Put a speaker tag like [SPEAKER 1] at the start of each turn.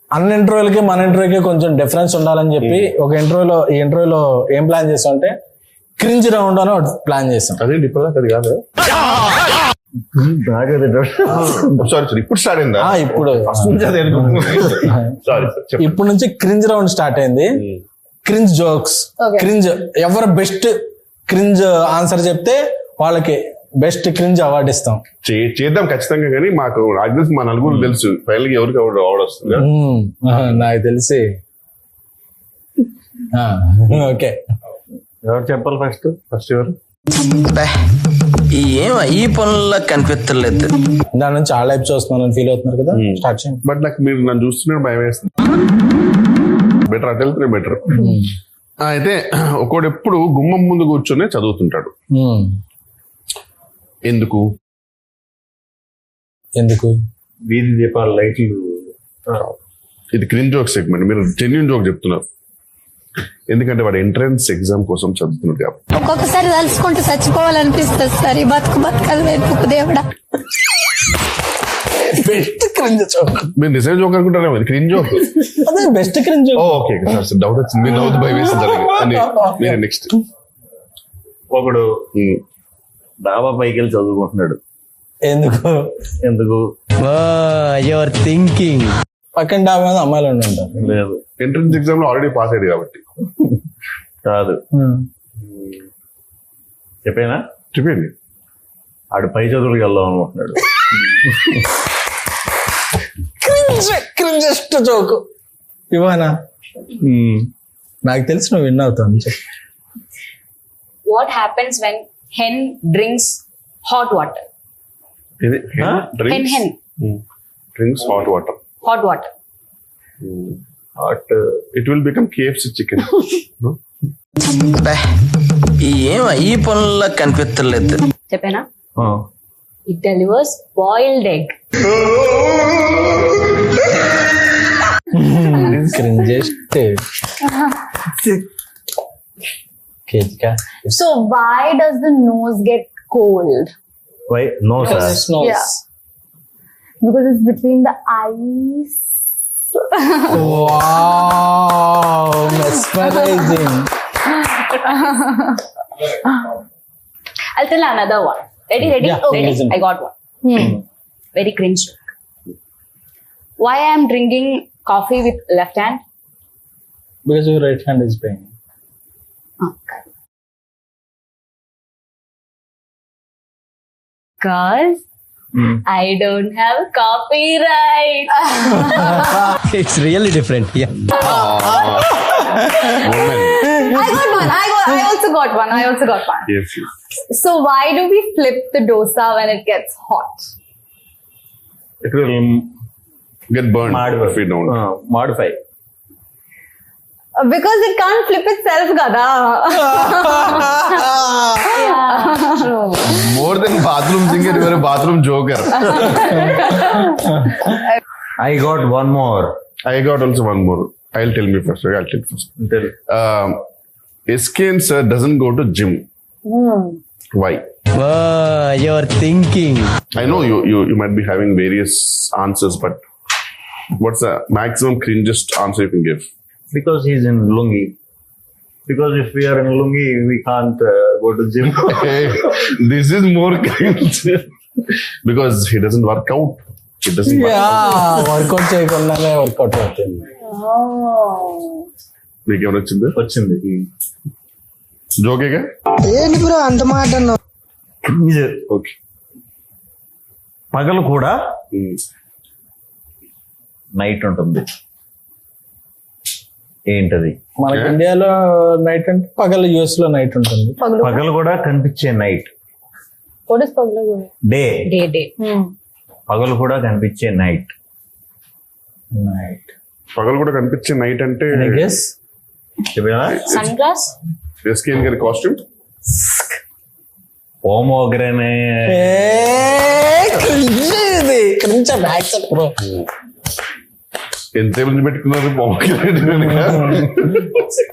[SPEAKER 1] అన్ని ఇంటర్వ్యూలకి మన ఇంటర్వ్యూకి కొంచెం డిఫరెన్స్ ఉండాలని చెప్పి ఒక ఈ ఇంటర్వ్యూలో ఏం ప్లాన్ చేస్తాం అంటే క్రింజ్ రౌండ్ అని ఒకటి ప్లాన్ చేస్తాం.
[SPEAKER 2] అదే ఇప్పుడు అది కాదు. సారీ ఇప్పుడు స్టార్ట్ అయిందా?
[SPEAKER 1] ఇప్పుడు
[SPEAKER 2] సారీ
[SPEAKER 1] ఇప్పుడు నుంచి క్రింజ్ రౌండ్ స్టార్ట్ అయింది. క్రింజ్ జోక్స్, క్రింజ్ ఎవరు బెస్ట్ క్రింజ్ ఆన్సర్ చెప్తే వాళ్ళకి బెస్ట్ క్రింజ్ అవార్డు ఇస్తాం.
[SPEAKER 2] చేద్దాం ఖచ్చితంగా. కానీ మాకు మా నలుగురు తెలుసు ఫైనల్ గా ఎవరికి అవార్డు వస్తుంది.
[SPEAKER 1] నాకు తెలిసి ఓకే.
[SPEAKER 2] ఎవరు చెప్పాలి ఫస్ట్ ఎవరు?
[SPEAKER 3] ఈ పనుల్లో కనిపించలేదు.
[SPEAKER 1] దాని నుంచి ఆ లైఫ్ చూస్తున్నాను ఫీల్ అవుతున్నారు కదా, స్టార్ట్ చేయండి.
[SPEAKER 2] బట్ నాకు మీరు నన్ను చూస్తున్నారు భయం వేస్తుంది. బెటర్ అటు వెళ్తే బెటర్. అయితే ఒకడు ఎప్పుడు గుమ్మం ముందు కూర్చొని చదువుతుంటాడు. ఎందుకు
[SPEAKER 4] వీధి దీపాల లైట్లు.
[SPEAKER 2] ఇది క్రింజ్ జోక్ సెగ్మెంట్. మీరు జెన్యూన్ జోక్ చెప్తున్నారు. ఎందుకంటే వాడు ఎంట్రన్స్ ఎగ్జామ్ కోసం చదువుతున్నాడు కాబట్టి.
[SPEAKER 5] ఒక్కొక్కసారి తలుచుకుంటూ చచ్చిపోవాలనిపిస్తుంది సార్. ఈ బతుకు వెతుకు దేవుడా.
[SPEAKER 1] Best cringe joke.
[SPEAKER 2] మీరు నిజం జోక్ అనుకుంటారా? క్రింజ్ జోక్
[SPEAKER 1] అదే best cringe joke.
[SPEAKER 2] Okay sir doubt వచ్చింది. మీరు నవ్వుతూ భయం వేసింది. నెక్స్ట్
[SPEAKER 4] ఒకడు డాబా పైకి వెళ్ళి చదువుకుంటున్నాడు. ఎందుకు
[SPEAKER 3] యువర్ థింకింగ్.
[SPEAKER 1] పక్కన డాబా మీద అమ్మాయిలు ఉంటారు.
[SPEAKER 4] లేదు,
[SPEAKER 2] ఎంట్రన్స్ ఎగ్జామ్ లో ఆల్రెడీ పాస్ అయ్యాడు కాబట్టి.
[SPEAKER 4] కాదు, చెప్పండి. ఆడు పై చదువులకు వెళ్దాం అనుకుంటున్నాడు.
[SPEAKER 1] క్రింజెస్ట్ జోక్ ఇవానా? నాకు తెలిసి నువ్వు విన్ అవుతావు.
[SPEAKER 6] What happens when hen drinks hot water? Hen
[SPEAKER 2] drinks hot water.
[SPEAKER 6] Hot water.
[SPEAKER 2] It will become KFC chicken. No?
[SPEAKER 3] ఈ పనుల్లో కనిపించలేదు.
[SPEAKER 6] చెప్పేనా? It delivers boiled egg.
[SPEAKER 1] Cringest.
[SPEAKER 6] So why does the nose get cold?
[SPEAKER 4] Why? No, sir.
[SPEAKER 6] Yeah. Because it's between the eyes.
[SPEAKER 1] Wow, mesmerizing.
[SPEAKER 6] I'll tell another one. Ready?
[SPEAKER 1] Yeah,
[SPEAKER 6] Ready?
[SPEAKER 1] listen.
[SPEAKER 6] I got one. Very cringe. Why I am drinking coffee with left hand?
[SPEAKER 1] Because your right hand is paying.
[SPEAKER 6] Okay. Because I don't have copyright.
[SPEAKER 3] It's really different. Yeah.
[SPEAKER 2] Woman.
[SPEAKER 6] I also got one.
[SPEAKER 2] Yes.
[SPEAKER 6] So why do we flip the dosa when it gets hot?
[SPEAKER 4] It will
[SPEAKER 2] Get burned if we don't.
[SPEAKER 4] modify.
[SPEAKER 6] Because it can't flip itself, gada.
[SPEAKER 2] More than bathroom singer, you are a bathroom joker.
[SPEAKER 4] I got one more.
[SPEAKER 2] I got also one more. I'll tell me first. I'll tell first.
[SPEAKER 4] Tell.
[SPEAKER 2] SKN sir doesn't go to gym. Why?
[SPEAKER 3] You're thinking.
[SPEAKER 2] I know you might be having various answers, but what's the maximum cringest answer you can give?
[SPEAKER 4] Because he's in lungi. Because if we are in lungi, we can't go to gym.
[SPEAKER 2] This is more cringe. Because he doesn't work out. He doesn't work out.
[SPEAKER 1] Workout చేయకుండానే workout అవుతుంది.
[SPEAKER 2] మీకు ఏమైనా వచ్చింది? జోకేగా?
[SPEAKER 3] ఏంటి bro అంత మాట అన్నావు?
[SPEAKER 2] Okay.
[SPEAKER 4] పగలు కూడా నైట్ ఉంటుంది. ఏంటది?
[SPEAKER 1] మనకి ఇండియాలో నైట్ అంటే పగలు, యుఎస్ లో నైట్ ఉంటుంది.
[SPEAKER 4] పగలు కూడా కనిపించే night.
[SPEAKER 6] What is paglu?
[SPEAKER 4] Day.
[SPEAKER 6] Day.
[SPEAKER 4] పగలు కూడా కనిపించే నైట్.
[SPEAKER 2] పగలు కూడా కనిపించే నైట్ అంటే
[SPEAKER 6] Sunglass?
[SPEAKER 2] SKN గారి కాస్ట్యూమ్.
[SPEAKER 4] పోమోగ్రనేట్.
[SPEAKER 2] ఎంత పెట్టుకున్నారు?